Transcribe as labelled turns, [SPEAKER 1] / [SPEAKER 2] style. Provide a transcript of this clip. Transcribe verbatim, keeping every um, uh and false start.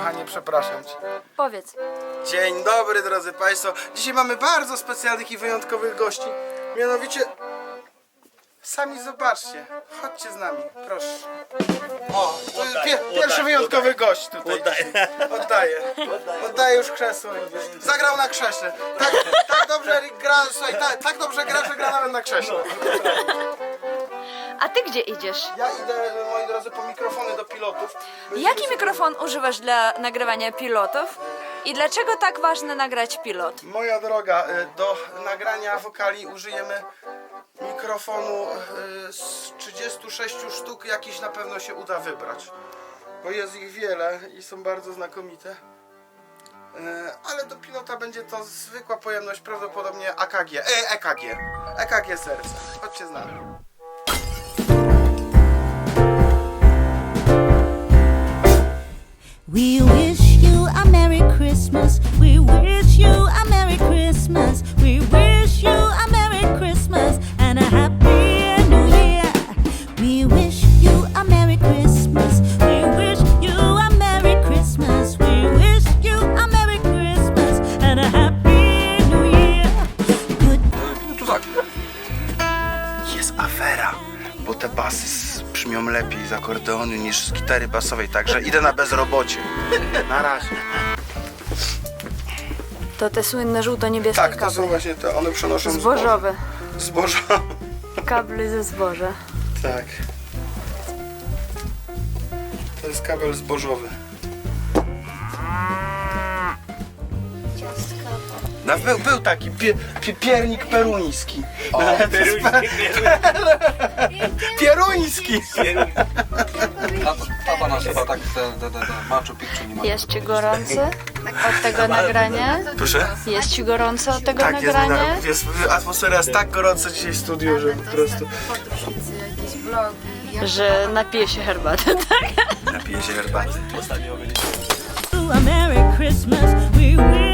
[SPEAKER 1] kochanie, przepraszam cię.
[SPEAKER 2] Powiedz.
[SPEAKER 1] Dzień dobry, drodzy Państwo. Dzisiaj mamy bardzo specjalnych i wyjątkowych gości. Mianowicie... Sami zobaczcie. Chodźcie z nami, proszę. O, to jest pie pierwszy wyjątkowy gość tutaj. Oddaję. Oddaję. Oddaję już krzesło. Zagrał na krześle. Tak, tak dobrze gra, słuchaj, tak, tak dobrze gra, że gra nawet na krześle.
[SPEAKER 2] A ty gdzie idziesz?
[SPEAKER 1] Ja idę, moi drodzy, po mikrofony do pilotów.
[SPEAKER 2] Jaki mikrofon używasz dla nagrywania pilotów? I dlaczego tak ważne nagrać pilot?
[SPEAKER 1] Moja droga, do nagrania wokali użyjemy mikrofonu z trzydziestu sześciu sztuk, jakiś na pewno się uda wybrać. Bo jest ich wiele i są bardzo znakomite. Ale do pilota będzie to zwykła pojemność, prawdopodobnie A K G, e, E K G, E K G serca. Chodźcie z nami.
[SPEAKER 3] We wish you a Merry Christmas. We wish you a Merry Christmas. We wish you a Merry Christmas and a Happy New Year. We wish you a Merry Christmas. We wish you a Merry Christmas. We wish you a Merry Christmas and a Happy New Year. Good.
[SPEAKER 1] Tu tak. Jest afera, bo te basy brzmią lepiej z akordeonu niż z gitary basowej, także idę na bezrobocie. Na razie.
[SPEAKER 2] To te słynne żółto-niebieskie
[SPEAKER 1] Tak, to
[SPEAKER 2] kable.
[SPEAKER 1] są właśnie te, one przenoszą
[SPEAKER 2] Zbożowe.
[SPEAKER 1] Zboża.
[SPEAKER 2] Kable ze zboża.
[SPEAKER 1] Tak. To jest kabel zbożowy. No, był, był taki pie, pie, piernik peruński.
[SPEAKER 4] O, peruński,
[SPEAKER 1] Pieruński!
[SPEAKER 4] Tata nas chyba tak te, te, te, te Machu Picchu nie ma.
[SPEAKER 2] Jest ci gorąco od tego nagrania?
[SPEAKER 1] Proszę?
[SPEAKER 2] Jest ci gorąco od tego
[SPEAKER 1] Tak, jest,
[SPEAKER 2] nagrania?
[SPEAKER 1] jest, atmosfera jest tak gorąca dzisiaj w studiu, że po prostu...
[SPEAKER 2] Że napije się herbaty, tak?
[SPEAKER 1] Napiję się herbaty.
[SPEAKER 3] A Merry Christmas. We wish